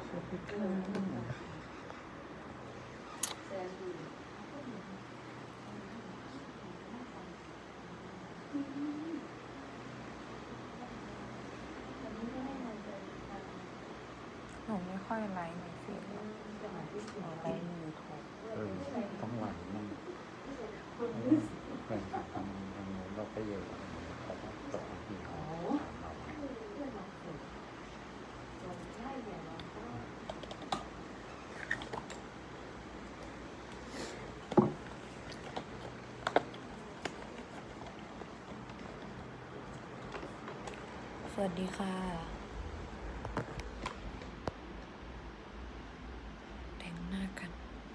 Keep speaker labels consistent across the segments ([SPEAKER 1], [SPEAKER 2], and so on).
[SPEAKER 1] สวัสดีค่ะ
[SPEAKER 2] หนูไม่ค่อยไลฟ์ในเฟซหรอกหนูไลฟ์ในยูทูบ
[SPEAKER 1] ต้องหวานมั่งแฟนคลับทางโน้นเราก็เยอะเขาก็ตกที่เขาเราไง
[SPEAKER 2] สวัสดีค่ะแต่งหน้ากัน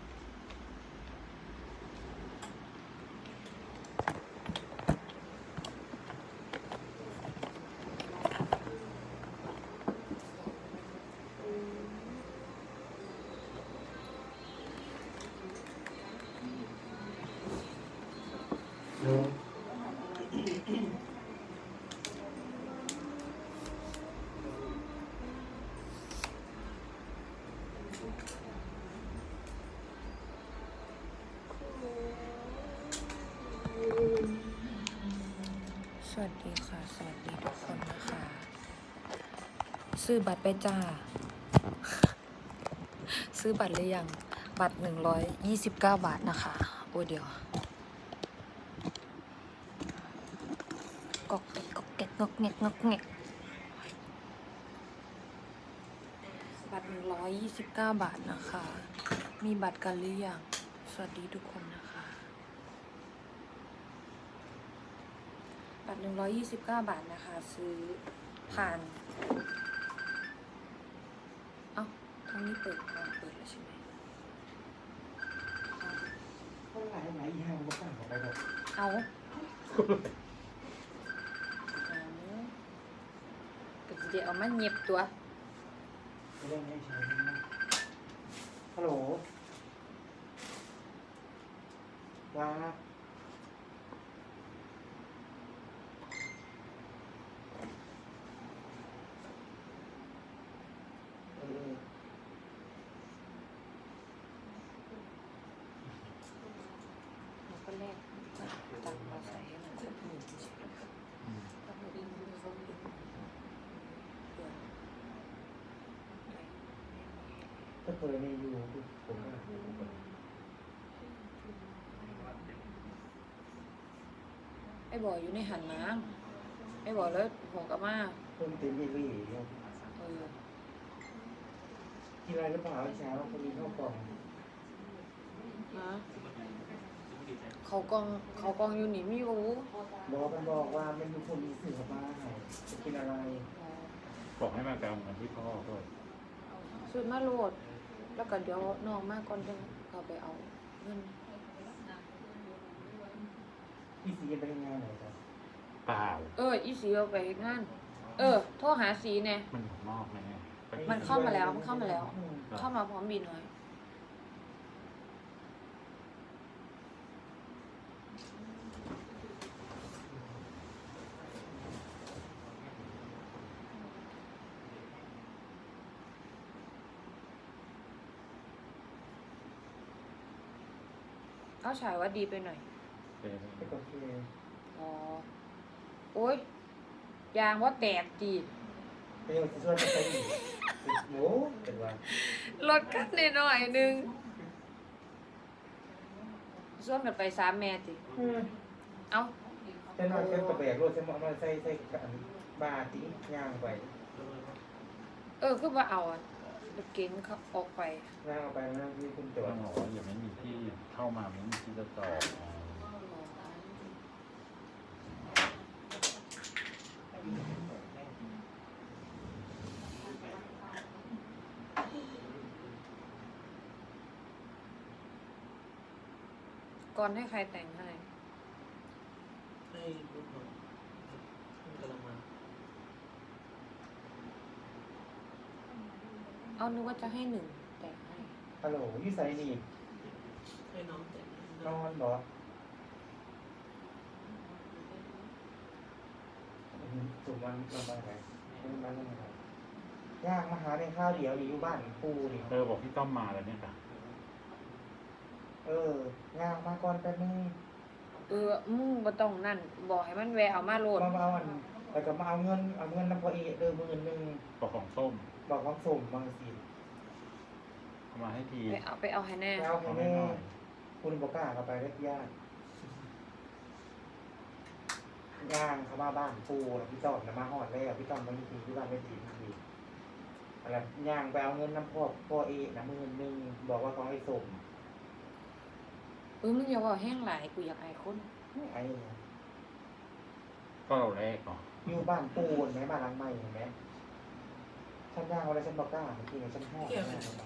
[SPEAKER 2] สวัสดีค่ะสวัสดีทุกคนนะคะซื้อบัตรไปจ้า ซื้อบัตรหรือยังบัตร129 บาทนะคะโอ้เดี๋ยวกอกแกกกอกแกกงอกแงกงอกแงกบัตร129 บาทนะคะมีบัตรกันหรือยังสวัสดีทุกคนนะคะบัตร129 บาทนะคะซื้อผ่านเอ้าทางนี้เปิดแล้วใช่ไหม
[SPEAKER 3] ก็หลายอย่างก็ต่างกันไปหมด
[SPEAKER 2] เอาก็จะได้เอามาเงียบตัว
[SPEAKER 3] ไม่ได้ให้ใช้นะฮัลโหลว่าเออ
[SPEAKER 2] เราก็แลกตังค์มาใส่ให้มันครบหมื่นใช่ไหมถ้าหมื่นครบหมื่นเผื่อ
[SPEAKER 3] ถ้าเปิดในยูผมก็
[SPEAKER 2] ไอ้บ่ออยู่ในหันน้ำไอ้บ่อแล้วหัวกลับมา
[SPEAKER 3] เพิ่มเต็มยี่รี่เนี่ย
[SPEAKER 2] เออ
[SPEAKER 3] กินอะไรหรือเปล่าเช้าเขามีข้าวกล่อง
[SPEAKER 2] นะเขากองอยู่นี่ไม่รู้
[SPEAKER 3] บอกมันบอกว่ามันมีคนมีสื่อมาให้จะกินอะไร
[SPEAKER 1] บอกให้มาแปลงกันที่พ่อด้วย
[SPEAKER 2] สุดมาโหลด แล้วก็เดี๋ยวน้องมาก่อนจะเราไปเอาเงิน
[SPEAKER 3] พี่สีจะไปทำงานไหนครับ
[SPEAKER 1] เปล่า
[SPEAKER 2] อีสีเอาไปเฮ็ดงาน โทรหาสีเนี่ย
[SPEAKER 1] มันอยู่นอกไหมเนี่ย
[SPEAKER 2] มันเข้ามาแล้วเข้ามาพร้อมบินเลยเอาฉายว่าดีไปหน่อย
[SPEAKER 3] ไม่ก็คือ
[SPEAKER 2] อ๋อ โอ๊ย ยางว่าแตกจี
[SPEAKER 3] ไปเอาส่วนไปอีกโอ้เป็นว่า
[SPEAKER 2] ลดกันหน่อยนึงส่วนกันไป3 แม่จีเอา
[SPEAKER 3] จะนอนกันกระแบกรถจะมาใส่กันบาติ้งย่างไป
[SPEAKER 2] คือว่าเอารถเก๋งเขาออกไป
[SPEAKER 3] ย่างเอาไปนะที่คุณจ
[SPEAKER 1] ต้
[SPEAKER 3] อ
[SPEAKER 1] อ
[SPEAKER 3] ด
[SPEAKER 1] งบอกว่าอย่าไม่มีที่เข้ามาไม่มีที่จะจอด
[SPEAKER 2] ก่อนให้ใครแต่งให้
[SPEAKER 4] ให้ลูกน้องกำลังมา
[SPEAKER 2] เอานึกว่าจะให้1แต่งให้
[SPEAKER 3] ฮัลโหลยี่ไซนี่
[SPEAKER 4] ให้น้องแต่ง
[SPEAKER 3] นอนบ่สุวรรณลำบากไหนไม่มาลำบากย่างมาหาในข้าวเดียวอยู่บ้านปูนี่
[SPEAKER 1] บอกพี่ต้อมมาแล้วเนี่ยค่ะ
[SPEAKER 3] ย่างมาก่อนแป๊บนึง
[SPEAKER 2] มึงบ่ต้องนั่นบอกให้มันแวะเอามาโลด
[SPEAKER 3] มาเอาแล้วก็มาเอาเงินน้ำพอเอ10,000
[SPEAKER 1] บอกของส้ม
[SPEAKER 3] บอกความส่งบางสิ
[SPEAKER 1] เอามาให้ที
[SPEAKER 2] ไปเอาให้แน่
[SPEAKER 3] เอาให้แม่คุณบอกกล้าเข้าไปเรียกญาติย่างเขามาบ้านปูแล้วพี่ต้อมมาหอดแล้วพี่ต้อมมาทีที่บ้านไม่ทีทีอะไรย่างไปเอาเงินน้ำพ่อเอนะ10,000บอกว่าเขาให้ส่ง
[SPEAKER 2] มึงอย่าบอกแห้งหลายกูอยากอายคน
[SPEAKER 3] ไอ้
[SPEAKER 1] ก็เราแรกเนาะ
[SPEAKER 3] อยู่บ้านปูนไหมบ้านหลังใหม่เห็นไหมฉันย่างอะไรฉันบอกกล้าเมื่อกี้ฉันหอด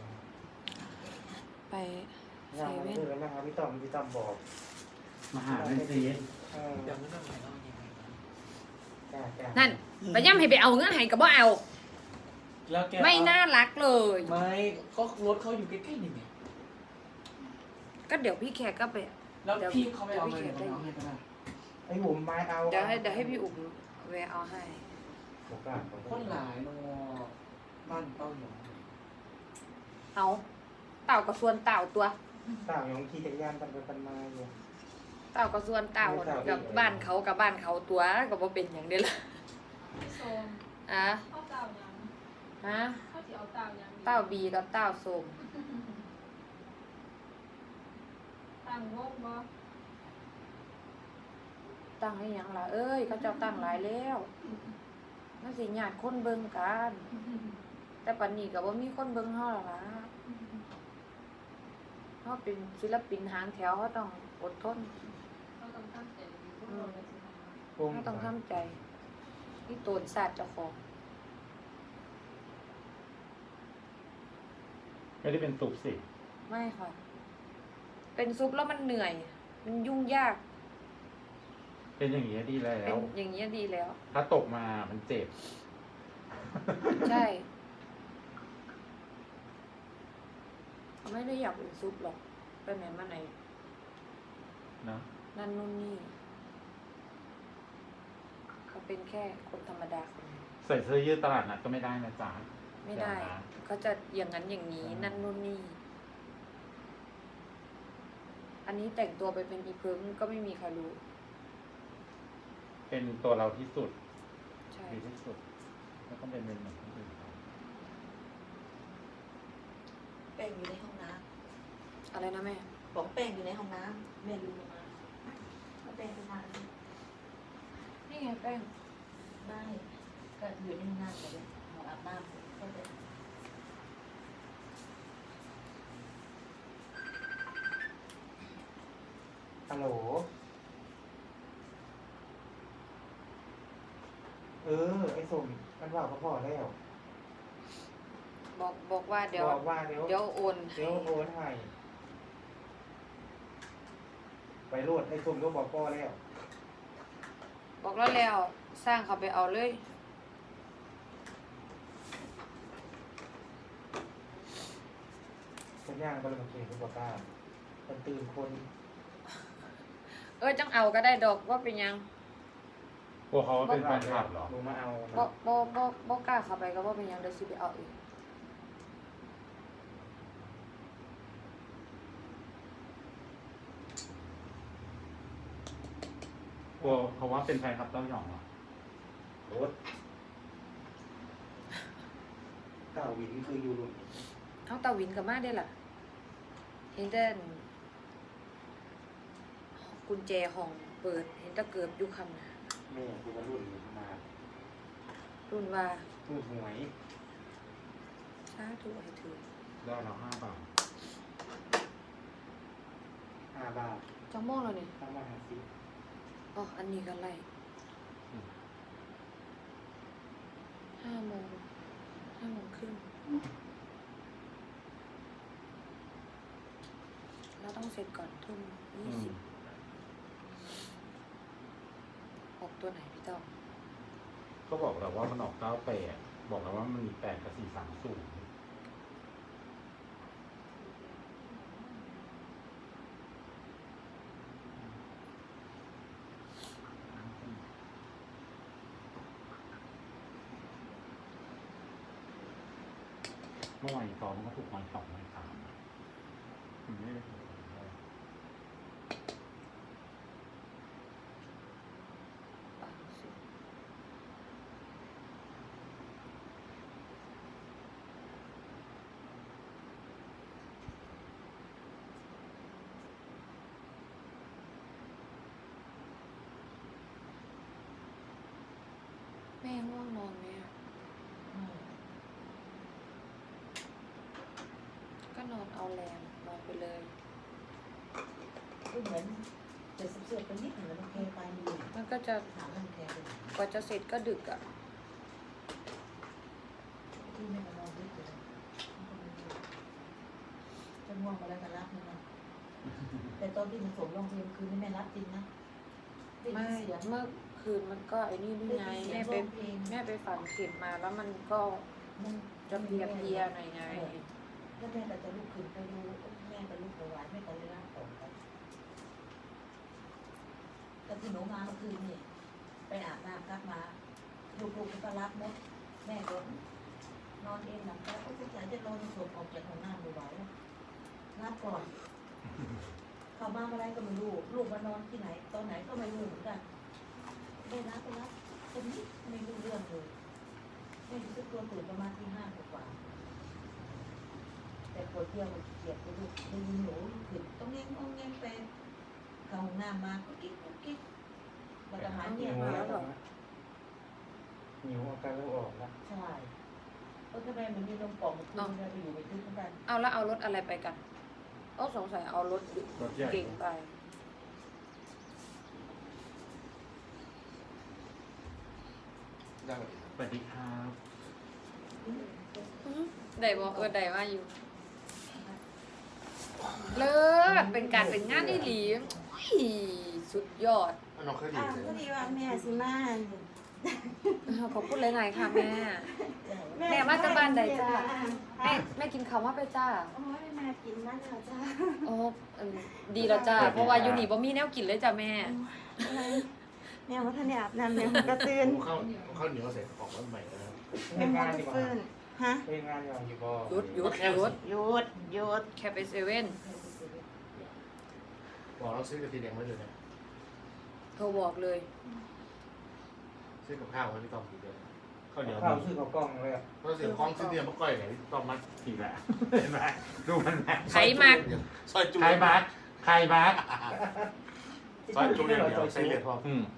[SPEAKER 2] ไป
[SPEAKER 3] ย่างมาคือนะครับพี่ต้อมบอก
[SPEAKER 1] มาหาเป็นซี
[SPEAKER 4] จำไม่ได้ไหมเอายังไง
[SPEAKER 3] จ้า
[SPEAKER 2] นั่นไปย่ำให้ไปเอาเงินให้ก็บ่เอา
[SPEAKER 4] แล้วแก
[SPEAKER 2] ไม่น่ารักเลย
[SPEAKER 4] ไม่ก็รถเขาอยู่ใกล้ๆนี่ไง
[SPEAKER 2] ก็เดี๋ยวพี่แขกก็ไป
[SPEAKER 4] แล้วพี่เขาไม่เอาเลยเอาให้ก็ได้
[SPEAKER 3] ไอ้บุ๋มไม้เอา
[SPEAKER 2] เดี๋ยวให้พี่อุ๋มแวะเอาให้
[SPEAKER 3] บอกกล้า
[SPEAKER 4] คนหลายนอบ้านเต้าหยอง
[SPEAKER 2] เอาเต่ากับส่วนเต่าตัว
[SPEAKER 3] สาวยังขี่จักรยานกันไปกันมาอยู่
[SPEAKER 2] เต่ากับส่วนเต่ากับบ้านเขากับบ้านเขาตัวก็บ่เป็นอย่างเดียวละ
[SPEAKER 5] โซม
[SPEAKER 2] อ่ะ
[SPEAKER 5] ข้าวเต่ายัง
[SPEAKER 2] ฮะ
[SPEAKER 5] ข้าวที่เอาเต่ายัง
[SPEAKER 2] เต่าบีกับเต่าส้ม
[SPEAKER 5] ต่างวงบ่
[SPEAKER 2] ตั้งให้หยังล่ะเอ้ยเขาเจ้าตั้งหลายแล้วนั่นสิญาติคนเบิ่งกัน แต่ปัจนี้ก็บ่มีคนเบิ่งเฮาแล้วล่ะเฮาเป็นศิลปินหางแถวเฮาต้องอดทน
[SPEAKER 5] เราต้องตั้งใจดีพวกเราเลยสิทำมา
[SPEAKER 3] ปุ้ม
[SPEAKER 2] เฮาต้องทำใจนี่โตนศาสตร์เจ้าของ
[SPEAKER 1] ไม่ได้เป็นตุกสิ
[SPEAKER 2] ไม่ค่ะ เป็นซุปแล้วมันเหนื่อย มันยุ่งยาก
[SPEAKER 1] เป็นอย่างนี้ดีแล้
[SPEAKER 2] เป็น
[SPEAKER 1] ว
[SPEAKER 2] อย่างนี้ยดีแล้ว
[SPEAKER 1] ถ้าตกมามันเจ็บ
[SPEAKER 2] ใช่เขาไม่ได้อยากเป็นซุปหรอกไปไหนมาไหน
[SPEAKER 1] เนอะ
[SPEAKER 2] นั่นนู่นนี่เขาเป็นแค่คนธรรมดาคนหนึ่ง
[SPEAKER 1] ใส่เสื้อยืดตลาดนัดก็ไม่ได้นะจ๊ะ
[SPEAKER 2] ไม่ได้
[SPEAKER 1] เยวนะ
[SPEAKER 2] เขาจะอย่างนั้นอย่างนี้ นั่นนู่นนี่ อันนี้แต่งตัวไปเป็นอีเพิงก็ไม่มีใครรู้
[SPEAKER 1] เป็นตัวเราที่สุด
[SPEAKER 2] ใช่
[SPEAKER 1] ดีที่สุดแล้วก็เป็นเหมือนคนอื่นเขา
[SPEAKER 6] แป้งอยู่ในห้องน้
[SPEAKER 2] อะไรนะแม่
[SPEAKER 6] ำบอกแป้งอยู่ในห้องน้ำแม่ลืมมาเอาแป้งไปทาน
[SPEAKER 2] นี่ไงแป้ง
[SPEAKER 6] ได้ก็อยู่ในห้องน้ำเลยห้องอาบน้ำก็จะ
[SPEAKER 3] ฮัลโหลไอ้ส่งมันว่าเขาพอแล้ว
[SPEAKER 2] บอกว่าเดี๋ยว
[SPEAKER 3] บอกว่าเดี๋ยว
[SPEAKER 2] เดี๋ยวโอนให้
[SPEAKER 3] เดี๋ยวโอนให้ไปโลดไอ้ส่งก็บอกพ่อแล้ว
[SPEAKER 2] บอกแล้วสร้างเขาไปเอาเลย
[SPEAKER 3] คนย่างก็เลยมาเขียนคุณบอกกล้าคนตื่นคน
[SPEAKER 2] จังเอาก็ได้ดอกว่าเป็นหยัง
[SPEAKER 1] พวกเขาเป็นแฟนคลับเหรอ
[SPEAKER 3] ลงมาเอา
[SPEAKER 2] บ่กล้าเข้าไปก็ว่าเป็นหยังเดี๋ยวสิไปเอาเอง
[SPEAKER 1] พวกเขาว่าเป็นแฟนคลับเต้าหยองเหรอ
[SPEAKER 3] รถเก้าวินคืออยู่รุ่น
[SPEAKER 2] เอาตาวินกับมาได้ล่ะ เห็นแต่กุญแจห้องเปิด เห็นแตะเกิบอยู่คำนะ
[SPEAKER 3] แม่คือว่ารุ่นมา
[SPEAKER 2] รุ่นว่า
[SPEAKER 3] รุ่นหวย
[SPEAKER 2] สาธุให้ถือ
[SPEAKER 1] ได้เรา5 บาท
[SPEAKER 3] 5 บาท
[SPEAKER 2] จังโมงแล้วนี่
[SPEAKER 3] ถ้ามาหาซิ
[SPEAKER 2] อ๋ออันนี้ก็ไล่
[SPEAKER 1] อืม
[SPEAKER 2] 5 โมงครึ่งเราต้องเสร็จก่อนทุ่ม
[SPEAKER 1] อืม
[SPEAKER 2] 20ออกตัวไหนพี่ต้อม
[SPEAKER 1] ก็บอกเราว่ามันออก98บอกเราว่ามันมี8กับ430 เมื่อวานซ้อมมันก็ถูกวัน2 วัน 3ไม่ได้
[SPEAKER 2] ปังสิแม่ง่วงนอนไหมอ่ะ ก็นอนเอาแรงนอนไปเลย
[SPEAKER 6] ก็เหมือนจะเสือกๆไปนิดหนึ่งแล้วมันแค่ไปมี
[SPEAKER 2] มันก็จะ
[SPEAKER 6] ถามมันแค่ไป
[SPEAKER 2] กว่าจะเสร็จก็ดึกอ่ะ
[SPEAKER 6] ที่ไม่มานอนด้วยเลยจะง่วงมาแล้วก็รับมันนะแต่ตอนที่มันสวมรองเท้าคืนนี่แม่รับจริงนะได้ยิ
[SPEAKER 2] ไม่
[SPEAKER 6] นเสียง
[SPEAKER 2] เมื่อคืนมันก็ไอ้นี่ด้วยไง
[SPEAKER 6] ได้ยินเสียงร้องเพลง
[SPEAKER 2] แม่ไปฝันเข็มมาแล้วมันก็
[SPEAKER 6] มัน
[SPEAKER 2] จะเพลียๆหน่อยไง
[SPEAKER 6] แล้วแม่ก็จะลุกขึ้นไปดูแม่ก็ลุกไปไหวแม่ก็เลยร่างต่อไปแต่ที่หนูมาเมื่อคืนนี่ไปอาบน้ำกลับมาลูกๆก็รับหมดแม่ก็นอนเองหลังแล้วก็จะจะนอนสวมออกจากห้องน้ำดูไหวรับก่อน เข้ามาเมื่อไรก็ไม่รู้ลูกมานอนที่ไหนตอนไหนก็ไม่รู้เหมือนกันได้รับก็รับคนนี้ไม่รู้เรื่องเลยแม่รู้สึกตัวตื่นประมาณที่5 กว่าแต่ปวดเที่ยวเกียดไปลูกได้ยินหนูขึ้นต้องแงงไปเข้าห้องน้ำมากุ๊กกิ๊กแล้วก็หายเงียบ
[SPEAKER 3] หิว
[SPEAKER 6] มา
[SPEAKER 3] แล้
[SPEAKER 6] แล้ว ว
[SPEAKER 3] เหรอหิวอาการเริ่มออกแล้ว
[SPEAKER 6] ใช่ก็ทำไมมันมีลมปอดมันขึ้นไปอยู่ในทึบเหมือนกัน
[SPEAKER 2] เอาแล้วเอารถอะไรไปกันโอ้สงสัยเอารถ
[SPEAKER 1] รถใหญ่
[SPEAKER 2] เก่งไป
[SPEAKER 4] ได้ไหม
[SPEAKER 1] สวัสดีครับ
[SPEAKER 2] ได้บอกได้ว่าอยู่ เลิศเป็นการเป็นงานที่ดีอุ้ยสุดยอด
[SPEAKER 4] มันน้องเคยดีเลย
[SPEAKER 7] พอดีว่าแม่สิมา
[SPEAKER 2] ขอบคุณหลายๆค่ะแม่ แม่มาจากบ้านใดจ้า แม่กินข้าวมาไปจ้า
[SPEAKER 7] โอ้ยแม่กินนั่นเหรอจ้า
[SPEAKER 2] โอ้ดีแล้วจ้า เพราะว่าอยู่นี่บ่มีแนวกินเลยจ้าแม่
[SPEAKER 7] แม่ว่าท่านอาบน้ำแม่ก็ตื่น
[SPEAKER 4] ข้าวเหนียวเสร็จออกมาใหม่แล้ว
[SPEAKER 3] เล่นงานดีกว่า
[SPEAKER 7] ฟื้นฮะ
[SPEAKER 3] เล่นงานดีกว่าอยู่บ่
[SPEAKER 2] หยุด
[SPEAKER 7] หยุด
[SPEAKER 2] แค่ไปเซเว่น
[SPEAKER 4] บอกเราซื้อกระตีแดงไว้เลยนะ
[SPEAKER 2] โทรบอกเลย
[SPEAKER 4] ซื้อกับข้าวไว้พี่ต้อมกินเลยข้าวเหนียว
[SPEAKER 3] ข้าวซื้อกับกล้องเลยอ่ะ
[SPEAKER 4] เราซื้อของซื้อเนี่ยมะก้อยไหนพี่ต้อมมัด
[SPEAKER 1] อีกแล้วเห็นไหมดูมันไหม
[SPEAKER 2] ไขมัก
[SPEAKER 4] ซอยจู
[SPEAKER 1] ใครบักใครบัก
[SPEAKER 4] ซอยจูเดียวใส่เหลือดพอ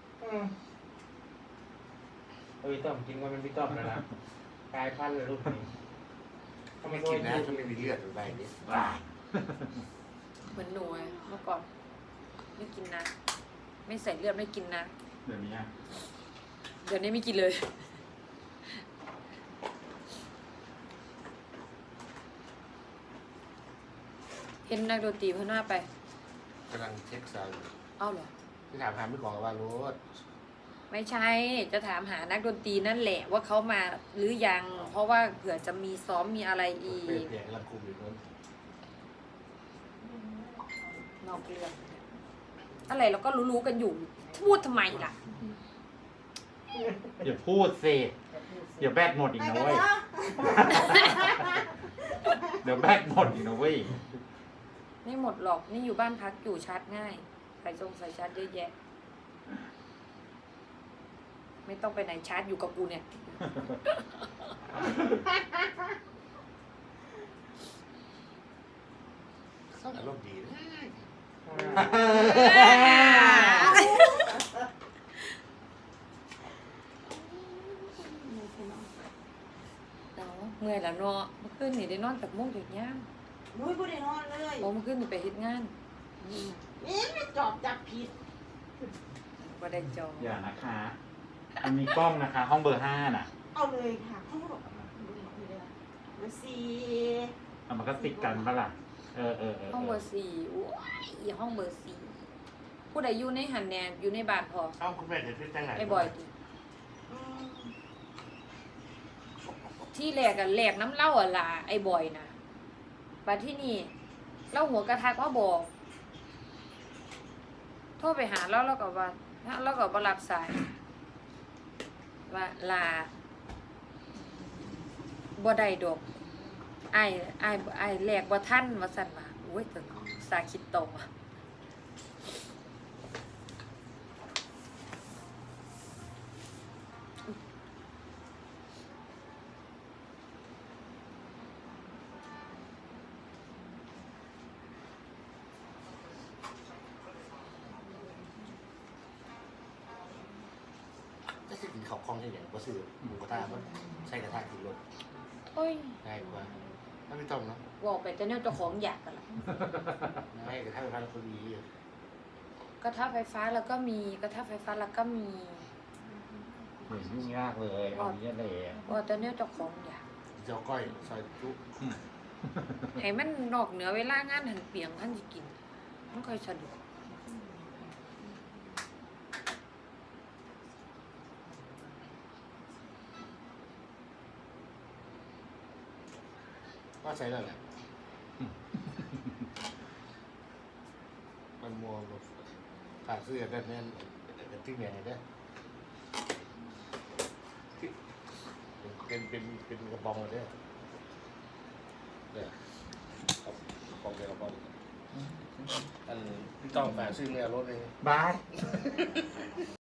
[SPEAKER 3] พี่ต้อมกินว่ามันพี่ต้อมแล้วนะกลายพันธุ์เลยลูกนี้
[SPEAKER 4] ถ้าไม่กินนะถ้าไม่มีเลือดหรืออะไรนี่
[SPEAKER 1] ว้า
[SPEAKER 2] เหมือนหนูอะเมื่อก่อน ไม่กินนะ ไม่ใส่เลือดไม่กินนะ
[SPEAKER 1] เดี๋ยวนี้อะ
[SPEAKER 2] เดี๋ยวนี้ไม่กินเลย เห็นนักดนตรีเพื่อนหน้าไป
[SPEAKER 4] กำลังเช็คซาวด์
[SPEAKER 2] เอ้าเหรอ
[SPEAKER 4] ที่ถามหาไม่กล่องว่ารถ
[SPEAKER 2] ไม่ใช่ จะถามหานักดนตรีนั่นแหละว่าเขามาหรือยัง เพราะว่าเผื่อจะมีซ้อมมีอะไรอี
[SPEAKER 4] เปลี่ยน
[SPEAKER 2] ก
[SPEAKER 4] เปลี่ยนกำลังคุมอยู่นู้น
[SPEAKER 2] นอกเรื่องอะไรเราก็รู้ๆกันอยู่ พูดทำไมล่ะ
[SPEAKER 1] อย่าพูดสิเดี๋ยวแบตหมดอีกนะเว้ยเดี๋ยวแบตหมดอีกนะเว้ย
[SPEAKER 2] ไม่หมดหรอก นี่อยู่บ้านพักอยู่ชาร์จง่ายใส่ทรงใส่ชาร์จเยอะแยะ ไม่ต้องไปไหนชาร์จอยู่กับกูเนี่ย
[SPEAKER 4] อารมณ์ดีนะ
[SPEAKER 2] เอาเมื่อยแล้วเนาะเมื่อคืนนี่ได้นอนจากโมงถึงย่าง
[SPEAKER 7] นุ้ยบ่ได้นอนเลย
[SPEAKER 2] โอ้เมื่อคืนนี่ไปเฮ็ดงาน
[SPEAKER 7] นี่ไม่จอบจับผิด
[SPEAKER 2] บ่ได้จอง
[SPEAKER 1] อย่านะคะมันมีกล้องนะคะ ห้องเบอร์ 5น่ะ
[SPEAKER 7] เอาเลยค่ะเขาบอกมาสี
[SPEAKER 1] เอามันก็ติดกันปะล่ะเออ
[SPEAKER 2] ห้องเบอร์สี่โอ้ยอีห้องเบอร์สี่ผู้ใดอยู่ในหันแนนอยู่ในบ้านพอ
[SPEAKER 4] เอ้าคุณแม่จะพิจารณา
[SPEAKER 2] ไอ้บอยติที่แรกอะแหลกน้ำเหล้าอะล่ะไอ้บอยนะบัดที่นี่เล่าหัวกระทักว่าบอก โทรไปหาแล้วก็ว่าแล้วก็บ่รับสาย ว่าลาบ่ได้ดอกไอ้แหลกบ่ท่านว่าสั่นว่าโอ้ยแต่สาคิดโตอะ
[SPEAKER 8] ก็สิกินข้าวคล่องใช่ไหมก็ซื้อหมูกระทะมันใส่กระทะกินรส
[SPEAKER 2] โอ้ย
[SPEAKER 8] ง่ายกว่าถ้าไม่ต้องเนาะ
[SPEAKER 2] บอกไปแต่เนี่ยเจ้าของอยากกันละ
[SPEAKER 8] ไม่กระทะไฟฟ้าคนดี
[SPEAKER 2] กระทะไฟฟ้าแล้วก็มีกระทะไฟฟ้าแล้วก็มี
[SPEAKER 1] เหมือนยุ่งยากเลยเอาเนี้ยเลย
[SPEAKER 2] บอกแต่เนี่ยเจ้าของอยาก
[SPEAKER 8] เจ้าก้อยซอยจุ
[SPEAKER 2] ให้มันนอกเหนือเวลางานหันเปียงท่านจะกินมันค่อยสะดวก
[SPEAKER 8] ก็ใช้แล้วแหละมันมัวขาดเสื้อแบบนี้เป็นที่ไหนเนี่ยเป็นกระบองเลยเนี่ยเนี่ยกระบองเป็นกระบองอันพี่ต้องแฝงซื้อเนี่ยรถเลย
[SPEAKER 1] บาย